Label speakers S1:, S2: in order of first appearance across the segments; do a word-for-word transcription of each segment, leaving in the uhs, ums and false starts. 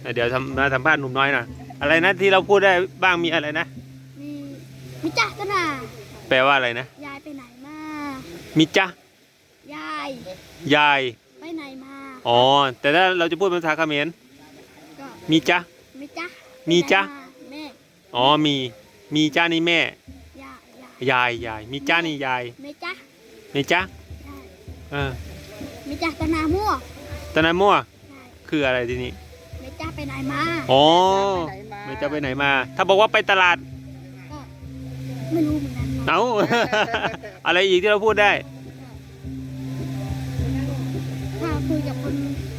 S1: เดี๋ยวทำมาสัมภาษณ์หนุ่มน้อยหน่อยอะไรนะที่เราพูดได้บ้างมีอะไรนะ
S2: มีมิจ้ากันนะ
S1: แปลว่าอะไรนะ
S2: ยายไปไหนมา
S1: มิจ้
S2: ายาย
S1: ยาย
S2: ไปไหนมา
S1: อ๋อแต่ถ้าเราจะพูดภาษาเขมรมีจ้า
S2: มิจ้า
S1: มีจ้า
S2: แม่
S1: อ๋อมีมีจ้านี่แม่
S2: ยาย
S1: ยายยายมีจ้านี่ยาย
S2: มิจ้า
S1: มีจ้าเออ
S2: มิจ้าตะนามั่ว
S1: ตะนามั่วคืออะไรทีนี้
S2: มิจ้าไปไหนมา
S1: อ๋อไม่จ้าไปไหนมาถ้าบอกว่าไปตลาด
S2: ก็ไม่รู้เหมือนกัน
S1: เอาอะไรอีกที่เราพูดได้
S2: ถ้าคุยกับคน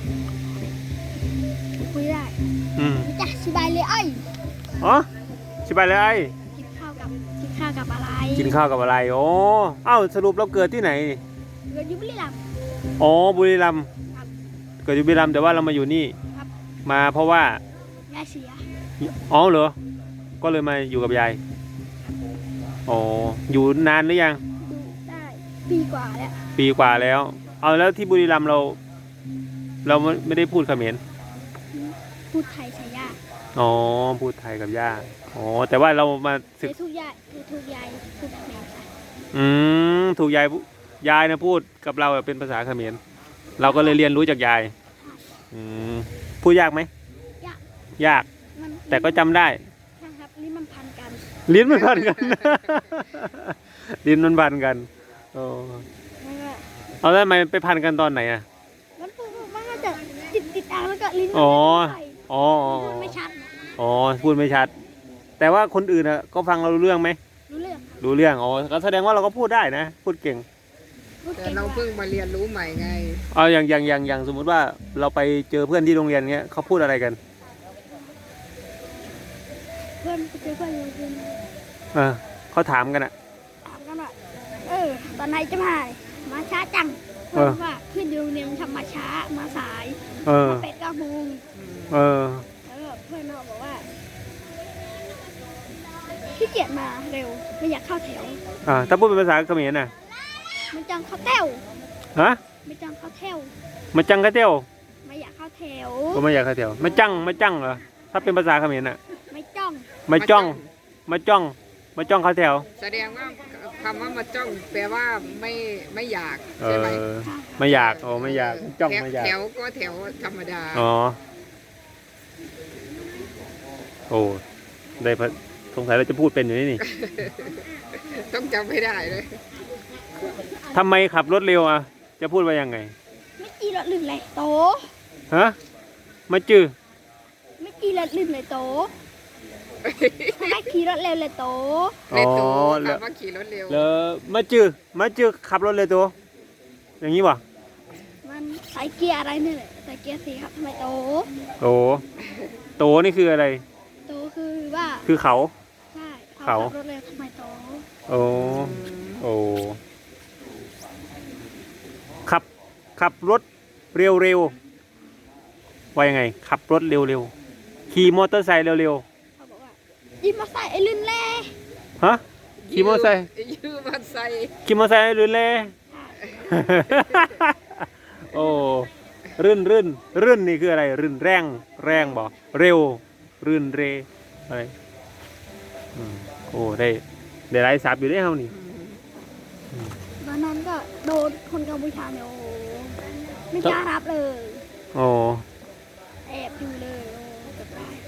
S2: คุยได้
S1: อืม
S2: มิจ้าสบายเลยไอ้
S1: อ๋อสบายเลยไอ้
S2: กินข้าวกับกินข้าวกับอะไร
S1: กินข้าวกับอะไรโอ้เอ้าสรุปเราเกิดที่ไหน
S2: เกิดอยู่บุรีรัมย์
S1: อ๋อบุรีรัมย์เกิดอยู่บุรีรัมย์แต่ว่าเรามาอยู่นี่มาเพราะว่าย
S2: ายเสีย
S1: อ๋อเหรอก็เลยมาอยู่กับยายอ๋ออยู่นานหรือยัง
S2: ดูได้ปีกว่าแล้ว
S1: ปีกว่าแล้วเอาแล้วที่บุรีรัมย์เราเราไม่ได้พูดเขมร
S2: พูดไทยใช่ย่า
S1: อ๋อพูดไทยกับย่าอ๋อแต่ว่าเรามา
S2: ศึกทุกยายทุกยายพูดเขมร
S1: อืมถูกยายยายนะพูดกับเราเป็นภาษาเขมรเราก็เลยเรียนรู้จากยายอืมพูดยากไหม
S2: ยาก
S1: ยากแต่ก็จำได้
S2: ใช่ครับลิ้นมันพันกัน
S1: ลิ้นมันพันกันลิ้นมันพันกันโอ้เอาแล้วทำไมไปพันกันตอนไหนอ่ะ
S2: มันพูดมันก็จะติดติดอ่างแล้วก็ลิ้น
S1: อ๋ออ๋อ
S2: พูดไม่ชัด
S1: อ๋อพูดไม่ชัดแต่ว่าคนอื่นอ่ะก็ฟังเรารู้เรื่องไหม
S2: รู้เรื่อง
S1: รู้เรื่องอ๋อก็แสดงว่าเราก็พูดได้นะพูดเก่ง
S3: แต่เราเพิ่งมาเรียนรู้ใหม่ไง
S1: เอาอย่างอย่างอย่างอย่างสมมุติว่าเราไปเจอเพื่อนที่โรงเรียนเงี้ยเขาพูดอะไรกัน
S2: เพื่อนเจอเพื่อนโรงเรียน
S1: เออเขาถามกันอ่ะ
S2: ถามกันว่าเออตอนไหนจะมามาช้าจังเพราะว่าเพื่อนโรงเรียนทำมาช้ามาสาย
S1: เออ
S2: เป็ดเก้าโมง
S1: เออ
S2: แล้วเพื่อนเราบอกว่าขี้เกียจมาเร็วไม่อยากเข้าแถว
S1: อ่าถ้าพูดเป็นภาษาเขมรน่ะ
S2: มันจังเข้าแถว
S1: ฮะ
S2: ไม่จังเข้าแถว
S1: มาจังเข้าแถว
S2: ไม่อยากเข้าแถว
S1: ก็ไม่อยากเข้าแถวมาจังมาจังเหรอถ้าเป็นภาษาเขมรน่ะ
S2: ไม่จ้อง
S1: มาจ้องมาจ้องมาจ้องเข้าแถว
S3: แสดงว่าคำว่ามาจ้องแปลว่าไม่ไม่อยาก
S1: ใช่ไหมไม่อยากโอ้ไม่อยากจ้องไม่อยาก
S3: แถวก็แถวธรรมดา
S1: อ๋อโอ้ได้พสงสัยเราจะพูดเป็นอยู่นี่นี่
S3: ต้องจำไม่ได้เลย
S1: ทำไมขับรถเร็วอ่ะจะพูดว่ายังไง
S2: ไม่จีรถลื่นเลยโต
S1: ฮะมาจื้อ
S2: ไม่จีรถลื่นเลยโตไม่ขี่รถเร็วเลยโต
S3: เลยโตขับมาขี่รถเร็ว
S1: แล้วมาจื้อมาจื้อขับรถเลยโตอย่างนี้วะ
S2: มันใส่เกียร์อะไรนี่แหละใส่เกียร์สี่ครับทำไมโต
S1: โตโตนี่คืออะไร
S2: โตคือว่า
S1: คือเขา
S2: ใช่เขาขับรถเร็วทำไมโต
S1: โอ้โอ้ขับขับรถเร็วเร็วว่ายังไงขับรถเร็วเร็วขี่มอเตอร์ไซค์เร็วเร็ว
S2: เขาบอกว่าขี่มอเตอร์ไซค์ไอ้ลื่นแล่
S1: ฮะขี่มอเตอร์ไซค์
S3: ยืมมอเตอร์ไซค์
S1: ขี่มอเตอร์ไซค์ลื่นแล่โอ้รื่นรื่นรื่นนี่คืออะไรรื่นแรงแรงบอกเร็วรื่นเรอะไรโอ้ได้ได้ไร้สับอยู่ได้เท่านี้
S2: ตอนนั้นก็โดนคนกัมพูชาเนี่ยโอ้ไม่กล้ารับเลย
S1: โอ้
S2: แอบอยู่เลยโอ้จะตาย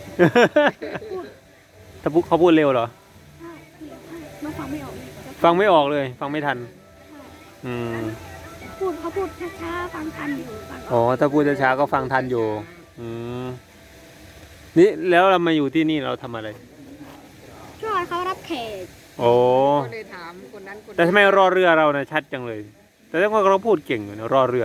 S1: ถ้าพูดเขาพูดเร็วเหรอ
S2: ใช่น้องฟังไม่ออก
S1: ฟังไม่ออกเลยฟังไม่ทันอืม
S2: พูดเขาพูดช้าๆฟังทันอยู่
S1: อ๋อถ้าพูดช้าๆก็ฟังทันอยู่อืมนี่แล้วเรามาอยู่ที่นี่เราทำอะไร
S2: ช่วยเขารับแขก
S1: โอ้
S3: ก็เลยถามคนนั้นคน
S1: แต่ทำไมรอเรือเราเนี่ยชัดจังเลยแต่ถ้าเราพูดเก่งอยู่นะรอเรือ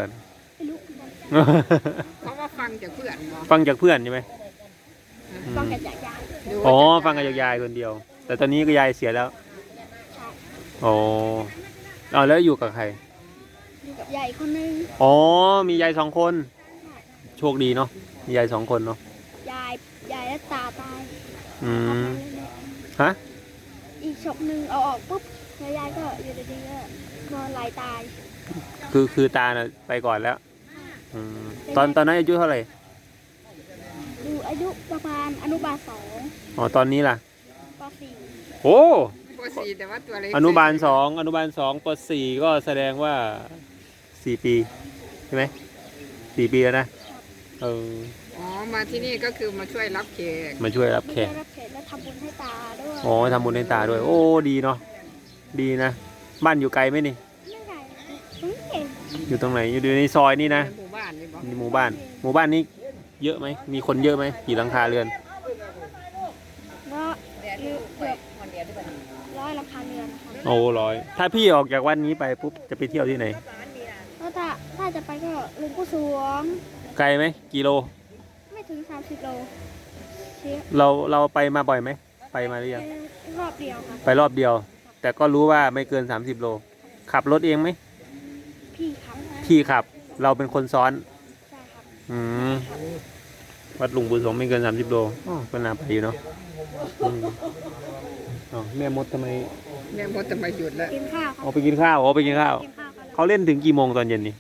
S3: เพราะว่าฟังจากเพื่อน
S1: ฟังจากเพื่อนใช่ไหม
S2: ฟังจากยาย
S1: อ๋อฟังจากยายคนเดียวแต่ตอนนี้ก็ยายเสียแล้วอ๋อเอาแล้วอยู่กับใคร
S2: อยู่กับยายคนนึง
S1: อ๋อมียายสองคนโชคดีเนาะมียายสองคนเนาะ
S2: ยายยายและตาตาย
S1: อืมฮะ
S2: อีกศพหนึ่งเอาออกปุ๊บแล้วยายก็อยู่ดีๆก็นอนไหลตาย
S1: คือคือตาน่ะไปก่อนแล้วตอนตอนนั้นอายุเท่าไหร่
S2: อยู่อายุประมาณอนุบาลสอง
S1: อ๋อตอนนี้ล่ะ
S2: ปสี่
S1: โอ้
S3: ปสี่แต่ว่าตัวเล็ก
S1: อนุบาลสองอนุบาลสองปสี่ก็แสดงว่าสี่ปีใช่ไหมสี่ปีแล้วนะเออ
S3: อ๋อมาที่นี่ก็คือมาช่วยรับแขก
S1: มาช่วยรับ
S2: ไม่
S1: แข
S2: ได้
S1: ก
S2: รับแขกและทำบุญให้ตาด้วย
S1: อ๋อทำบุญให้ตาด้วย โอ้ดีเนาะดีนะบ้านอยู่ไกลไหมนี่
S2: ไม่ไงอืมเก่ง
S1: อยู่ตรงไหนอยู่ในซอยนี่นะ
S3: ในหมู่บ้านนี่บอก
S1: ในหมู่บ้าน หมู่บ้านนี้เยอะไหมมีคนเยอะไหมกี่หลังคาเรือน
S2: แล้วเกือบร้อยหลังคาเรือนนะครับ
S1: โอ้ร้อยถ้าพี่ออกจากวันนี้ไปปุ๊บจะไปเที่ยวที่ไหน
S2: แล้วถ้าถ้าจะไปก็หลุงปู่สวง
S1: ไกลไหมกิโล
S2: ไม่ถึงสามสิบโลเชีย
S1: เราเราไปมาบ่อยไหมไปมาหรือยัง
S2: รอบเดียวครับ
S1: ไปรอบเดียว แต่ก็รู้ว่าไม่เกิน สามสิบ โล ขับรถเองไหม
S2: พี่ครับ
S1: พี่ขับ เราเป็นคนซ้อน
S2: ใช่ครับ
S1: อืมวัดหลวงปู่สงฆ์ไม่เกิน สามสิบ โลอ๋อก็น่าไปอยู่เนาะอืมอ๋อแม่มดทำไม
S3: แม่มดจะมาหยุดแล้ว
S2: กินข้าวครั
S1: เอาไปกินข้าวเอาไปกินข้าว
S2: กินข้าวกันแล้ว
S1: เขาเล่นถึงกี่โมงตอนเย็นนี่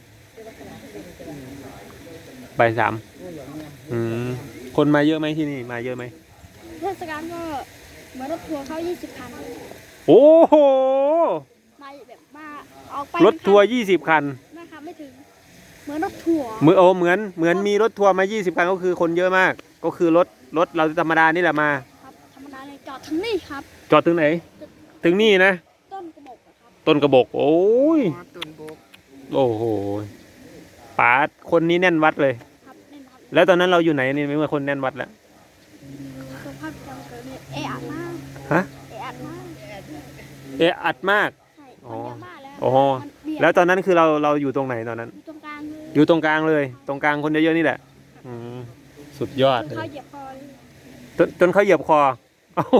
S1: บ่ายสามอืมคนมาเยอะไหมที่นี่มาเยอะไหม
S2: เทศกาลก็เหมือนรถทัวร์เขายี่สิบคัน
S1: โอ้โห
S2: มาแบบมาออกไป
S1: รถทัวร์ยี่สิบคัน
S2: นะครับไม่ถึง เหมือนรถทัวร์
S1: เหมือนโอ้เหมือนเหมือนมีรถทัวร์มายี่สิบคันก็คือคนเยอะมาก ก็คือรถรถเราธรรมดานี่แหละมา
S2: ครับธรรมดาเลยจอดถึงนี่ครับ
S1: จอดถึงไหน ถึงนี่นะ
S2: ต้นกระบอกนะครับ
S1: ต้นกระบอก โอ้ย
S3: อ๋อตุนโบก
S1: โอ้โหป๋าคนนี้แน่นวัดเลย
S2: ครับนี่นะครับ
S1: แล้วตอนนั้นเราอยู่ไหนนี่ไม่เมื่อคนแน่นวัดแล้ว
S2: สภาพประจำเกิดเนี่ยเอะอัดมาก
S1: ฮะ
S2: เอะอัดมาก
S1: เอะอัดมาก
S2: ใช่
S1: อ๋
S2: คน
S1: อ
S2: เยอะมากแล้ว
S1: โอ้
S2: มันเบียด
S1: แล้วตอนนั้นคือเราเราอยู่ตรงไหนตอนนั้น
S2: อยู่ตรงกลางเลย
S1: อยู่ตรงกลางเลย ตรงกลางคนเยอะๆนี่แหละอืมสุดยอด
S2: จน
S1: เล
S2: เขา
S1: ย
S2: เหยียบคอเลย
S1: จนจนเขาเหยียบคอเอ้า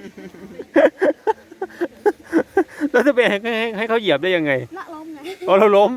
S1: แล้วจะไปให้ให้ให้เขาเหยียบได้ยังไง
S2: ละล้มไง
S1: อ๋อเราล้ม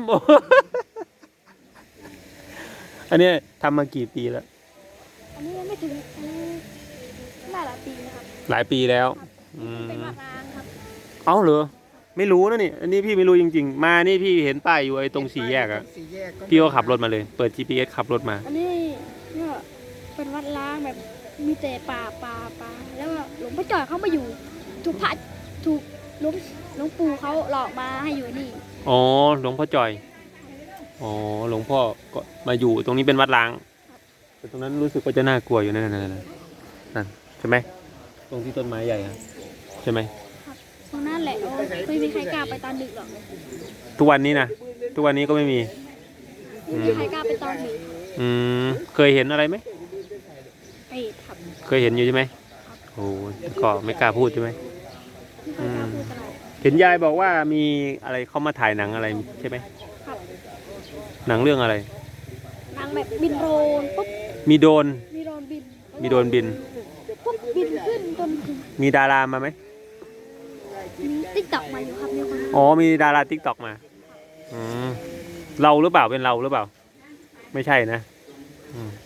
S1: อันนี้ทำมากี่ปีแล้ว
S2: อันนี้ยังไม่ถึงอันนี้ได้หลายปีนะครับ
S1: หลายปีแล้ว
S2: ครับ
S1: อืม
S2: เป็นวัดร้างครับ
S1: เอ้าเหรอไม่รู้นะนี่อันนี้พี่ไม่รู้จริงๆ มานี่พี่เห็นป้ายอยู่ไอ้ตรงสี่แยกอะ
S3: สี่แยก
S1: พี่ก็ขับรถมาเลย เปิด จี พี เอส ขับรถมา
S2: อันนี้เนี่ยเป็นวัดร้างแบบมีแต่ป่าป่าป่าแล้วก็หลวงพ่อจ่อยเขามาอยู่ ถูกพระถูกหลวงหลวงปู่เขาหลอกมาให้อยู่นี่
S1: อ๋อหลวงพ่อจอย อ๋อหลวงพ่อก็มาอยู่ตรงนี้เป็นวัดล้างแต่ตรงนั้นรู้สึกว่าจะน่ากลัวอยู่นั่นนั่นนั่นนั่นใช่ไหมตรงที่ต้นไม้ใหญ่อะใช่ไหม
S2: ตรงนั้นแหละโอ้ไม่มีใครกล้าไปตอนดึกหรอก
S1: ทุกวันนี้นะทุกวันนี้ก็ไม่มี
S2: ไม่มีใครกล้าไปตอนดึก
S1: อืมเคยเห็นอะไรไหม
S2: เอ็ดครับ
S1: เคยเห็นอยู่ใช่ไหมโอ้ก็ไม่กล้าพูดใช่ไหม
S2: ไม่ค่อยกล้าพูดอะไร
S1: เห็นยายบอกว่ามีอะไรเขามาถ่ายหนังอะไรใช่ไหม
S2: ครับ
S1: หนังเรื่องอะไร
S2: นางแบบบินโดรนปุ๊บ
S1: มีโดรน
S2: มีโดรนบิน
S1: มีโดรนบิน
S2: ปุ๊บบินขึ้นจนถึง
S1: มีดารามาไหม
S2: มีติ๊กต็อกมาอยู่ครับมีคน
S1: อ๋อมีดาราทิกตอกมาอืมเราหรือเปล่าเป็นเราหรือเปล่า ไม่ใช่นะอืม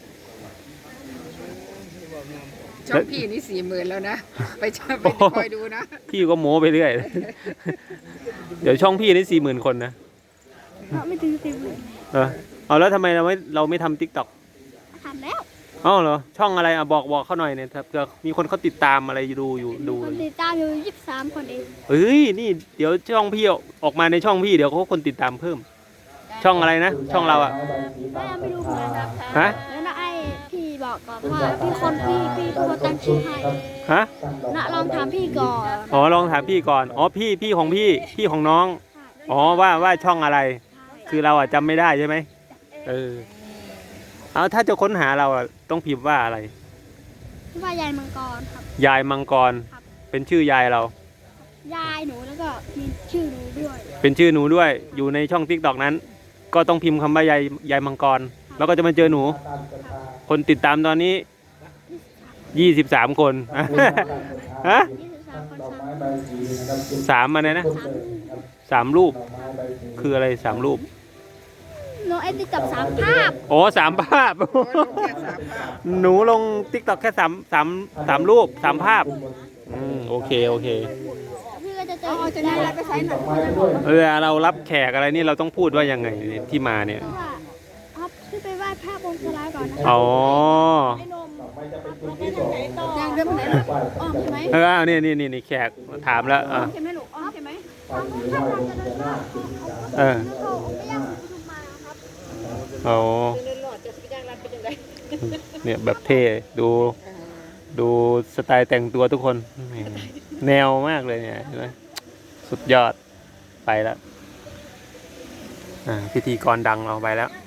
S3: ช่องพี่นี่สี่หมื่นแล้วนะ ไปชอบไปคอยดูนะ
S1: พี่ก็โม้ไปเรื่อย เดี๋ยวช่องพี่นี่สี่หมื่นคนนะ
S2: เพราะไม่ถึงสิบเลย
S1: เออเอาแล้วทำไมเราไม่เราไม่ทำทิกตอก
S2: ทำแล้ว
S1: อ๋อเหรอช่องอะไรอ่ะบอกบอกเขาหน่อยเนี่ยถ้าเผื่อมีคนเขาติดตามอะไรดูอยู่ดู
S2: คนติดตามอยู่ยี่สิบสามคนเอง
S1: เอ้ยนี่เดี๋ยวช่องพี่ออกมาในช่องพี่เดี๋ยวเขาคนติดตามเพิ่ม ช่องอะไรนะช่องเราอ่ะ
S2: ก็ยังไม่รู้เหมือนกันครับ
S1: ฮะ
S2: แล้วนะไอ้พี่บอกก่อนว่าพี่คนพี่พี่เป็นคนตั้งชื่อให้
S1: ฮะ
S2: นะลองถามพี่ก่อน
S1: อ๋อลองถามพี่ก่อนอ๋อพี่พี่ของพี่พี่ของน้องอ๋อว่าว่าช่องอะไร คือเราอ่ะจำไม่ได้ใช่ไหมเออเอาถ้าจะค้นหาเราอ่ะต้องพิมพ์ว่าอะไร
S2: พี่ว่ายายมังกรครับ
S1: ยายมังกร
S2: ครับ
S1: เป็นชื่อยายเรา
S2: ยายหนูแล้วก็มีชื่อหนูด้วย
S1: เป็นชื่อหนูด้วยอยู่ในช่องทิกตอกนั้น ก็ต้องพิมพ์คำว่ายายยายมังกร แล้วก็จะมาเจอหนู คนติดตามตอนนี้ยี่สิบสามคน ฮะ
S2: ยี่สิบสามคนสาม
S1: สามมาเลยนะสามรูป คืออะไรสามรูป
S2: น้องเอ็ดติ๊กกับสามภาพ
S1: โอ้สามภาพ
S3: โอ้ยลงแค่สามภาพ
S1: หนูลงทิกตอกแค่สามสามสามรูปสามภาพอืมโอเคโอเค
S2: พี่ก็จะเจอ
S3: เอา
S2: อีก
S3: จะ
S2: ได้
S3: ได้ไปใช้หนัง
S1: เวลาเรารับแขกอะไรนี่เราต้องพูดว่ายังไงที่มาเนี่ย
S2: ว่าครับพี่ไปไหว้พระบนสลายก่อนนะ
S1: อ๋อ
S2: ไอ้นมยังเดินไปไหนลูกอ้อมใช่ไหม
S1: เออเอานี่นี่นี่นี่แขกถามแล้วอ่ะ
S2: ใช่ไหมลูกอ้อมใช่ไหมทางนู้นถ้าเราจะเดินรอด
S1: เออ
S2: เขาเอาไปย่างประชุมมาครับ
S1: อ๋อ
S3: เดินหลอดจะสย่างรัดเป็นยังไง
S1: เนี่ยแบบเท่ดูดูสไตล์แต่งตัวทุกคนแนวมากเลยเนี่ยเห็นไหมสุดยอดไปแล้วอ่าพิธีกรดังเราไปแล้ว